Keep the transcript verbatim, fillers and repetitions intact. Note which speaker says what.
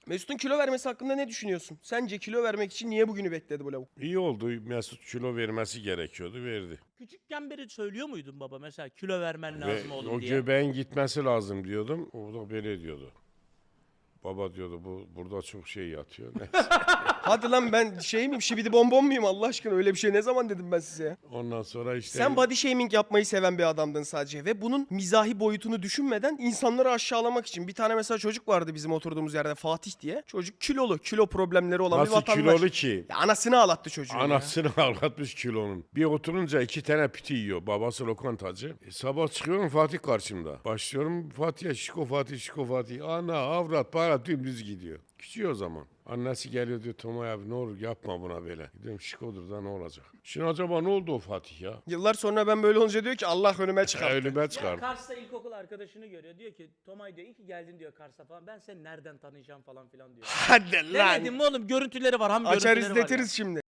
Speaker 1: Mesut'un kilo vermesi hakkında ne düşünüyorsun? Sence kilo vermek için niye bugünü bekledi bu lavuk?
Speaker 2: İyi oldu. Mesut kilo vermesi gerekiyordu. Verdi.
Speaker 3: Küçükken beri söylüyor muydun baba mesela kilo vermen
Speaker 2: Ve
Speaker 3: lazım oğlum
Speaker 2: o
Speaker 3: diye?
Speaker 2: göbeğin gitmesi lazım diyordum. O da böyle diyordu. Baba diyordu bu burada çok şey yatıyor. Neyse.
Speaker 1: Hadi lan ben şey miyim, şibidi bonbon muyum Allah aşkına? Öyle bir şey ne zaman dedim ben size ya?
Speaker 2: Ondan sonra işte...
Speaker 1: Sen body shaming yapmayı seven bir adamdın sadece ve bunun mizahi boyutunu düşünmeden insanları aşağılamak için. Bir tane mesela çocuk vardı bizim oturduğumuz yerde, Fatih diye. Çocuk kilolu, kilo problemleri olan bir
Speaker 2: Nasıl
Speaker 1: vatandaş.
Speaker 2: kilolu ki?
Speaker 1: Ya anasını ağlattı çocuğu ya.
Speaker 2: Anasını ağlatmış kilonun. Bir oturunca iki tane piti yiyor. Babası lokantacı. E, sabah çıkıyorum Fatih karşımda. Başlıyorum Fatih'e şiko Fatih şiko Fatih. Ana avrat para dümdüz gidiyor. Küçüyor o zaman. Annesi geliyor diyor Tomay abi ne olur yapma buna böyle. Diyorum şikodur da ne olacak. Şimdi acaba ne oldu o Fatih ya?
Speaker 1: Yıllar sonra ben böyle olunca diyor ki Allah önüme çıkarttı.
Speaker 2: Ölüme
Speaker 3: Ya
Speaker 2: çıkardı.
Speaker 3: Kars'ta ilkokul arkadaşını görüyor. Diyor ki Tomay diyor iyi ki geldin diyor Kars'a falan. Ben seni nereden tanıyacağım falan filan diyor.
Speaker 1: Hadi lan.
Speaker 3: Demedim mi oğlum görüntüleri var. Ham
Speaker 1: Açar
Speaker 3: görüntüleri var ya.
Speaker 1: izletiriz şimdi.